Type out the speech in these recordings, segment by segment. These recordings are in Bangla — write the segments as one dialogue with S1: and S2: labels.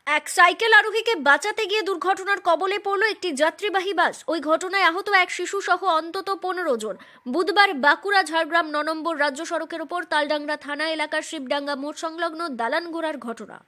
S1: এক সাইকেল আরোহীকে বাঁচাতে গিয়ে দুর্ঘটনার কবলে পড়ল একটি যাত্রীবাহী বাস। ওই ঘটনায় আহত এক শিশু সহ অন্তত 15 জন। বুধবার বাঁকুড়া ঝাড়গ্রাম 9 নম্বর রাজ্য সড়কের ওপর তালডাংরা থানা এলাকার শিবডাঙ্গা মোড় সংলগ্ন দালানগোড়ার ঘটনা।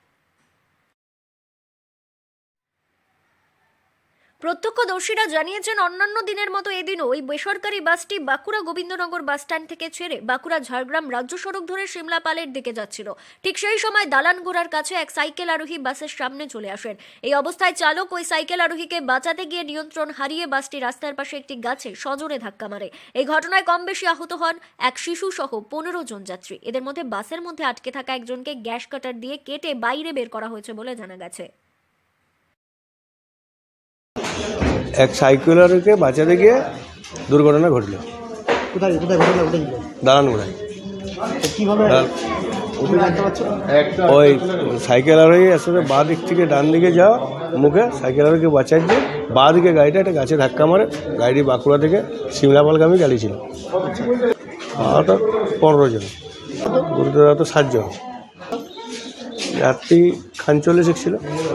S1: প্রত্যক্ষদর্শীরা জানিয়েছেন, অন্যান্য দিনের মতো এদিনও ওই বেসরকারি বাসটি বাঁকুড়া গোবিন্দনগর বাসস্ট্যান্ড থেকে ছেড়ে বাঁকুড়া ঝাড়গ্রাম রাজ্য সড়ক ধরে সিমলাপালের দিকে যাচ্ছিল। ঠিক সেই সময় দালানগোড়ার কাছে এক সাইকেল আরোহী বাসের সামনে চলে আসেন। এই অবস্থায় চালক ওই সাইকেল আরোহীকে বাঁচাতে গিয়ে নিয়ন্ত্রণ হারিয়ে বাসটি রাস্তার পাশে একটি গাছে সজোরে ধাক্কা মারে। এই ঘটনায় কম বেশি আহত হন এক শিশু সহ 15 জন যাত্রী। এদের মধ্যে বাসের মধ্যে আটকে থাকা একজনকে গ্যাস কাটার দিয়ে কেটে বাইরে বের করা হয়েছে বলে জানা গেছে।
S2: এক সাইকেলারকে বাঁচাতে গিয়ে দুর্ঘটনা ঘটল।
S3: কোথায় কোথায় ঘটনা ঘটেছিল?
S2: দালানগোড়ায়।
S3: কিভাবে জানতে পারছো?
S2: ওই সাইকেল আরোহী আসলে বাঁ দিক থেকে ডান দিকে যাওয়া মুখে সাইকেল আরোহীকে বাঁচাচ্ছে, বাঁ দিকে গাড়িটা একটা গাছে ধাক্কা মারে। গাড়ি বাঁকুড়া থেকে সিমলাপালগামী গাড়ি ছিল। আহত 15 জন, গুরুতর আহত 7 জন। যাত্রী খানচলে শিখছিল।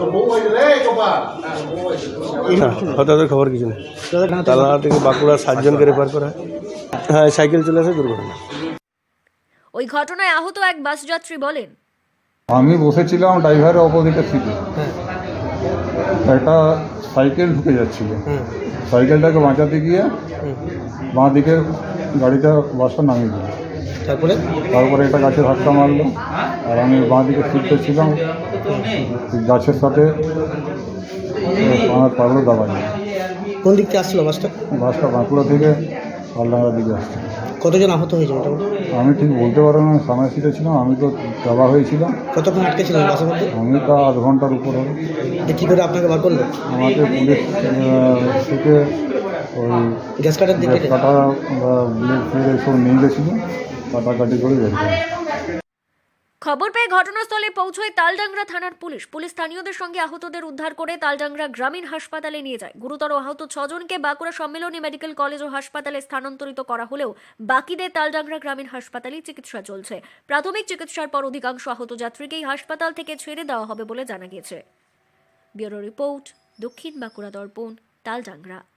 S2: হঠাৎ খবর কিছু নেই। তালনা থেকে বাঁকুড়া 7 জনকে রেফার করা হয়। হ্যাঁ, সাইকেল চলে আসে, দুর্ঘটনা।
S1: ওই ঘটনায় আহত এক বাস যাত্রী বলেন,
S4: আমি বসেছিলাম ড্রাইভারের অপোজিটে সিটে। একটা সাইকেল ঢুকে যাচ্ছিল। সাইকেলটাকে বাঁচাতে গিয়ে বাঁ দিকে গাড়িটা বাসটা নামিয়ে দিল। তারপরে একটা গাছে ধাক্কা মারলো, আর আমি বাঁ দিকে সিটটা ছিলাম, গাছের সাথে আমার পাগলো দাবা যায়।
S3: কোন দিক থেকে আসছিল বাসটা?
S4: বাসটা বাঁকুড়া থেকে পালডাঙ্গার দিকে আসছে।
S3: কতজন আহত হয়েছে মোটামুটি?
S4: আমি ঠিক বলতে পারবো না, সামনের সিটে ছিলাম, আমি তো দাবা হয়েছিলাম।
S3: কতক্ষণ আটকে ছিলেন বাসের মধ্যে?
S4: আমি তা 8 ঘন্টার উপর হবে।
S3: কী করে আপনাকে বার করলো?
S4: আমাকে পুলিশ থেকে ওই
S3: গ্যাস কাটার দিকে
S4: গ্যাস কাটা বা ব্লেড ফ্লেড এসব নিয়ে গেছিলো, কাটাকাটি করে বের করে।
S1: খবর পেয়ে ঘটনাস্থলে পৌঁছয় তালডাংরা থানার পুলিশ স্থানীয়দের সঙ্গে আহতদের উদ্ধার করে তালডাংরা গ্রামীণ হাসপাতালে নিয়ে যায়। গুরুতর আহত 6 জনকে বাঁকুড়া সম্মেলনী মেডিকেল কলেজ ও হাসপাতালে স্থানান্তরিত করা হলেও বাকিদের তালডাংরা গ্রামীণ হাসপাতালে চিকিৎসা চলছে। প্রাথমিক চিকিৎসার পর অধিকাংশ আহত যাত্রীকেই হাসপাতাল থেকে ছেড়ে দেওয়া হবে বলে জানা গিয়েছে। ব্যুরো রিপোর্ট, দক্ষিণ বাঁকুড়া দর্পণ, তালডাংরা।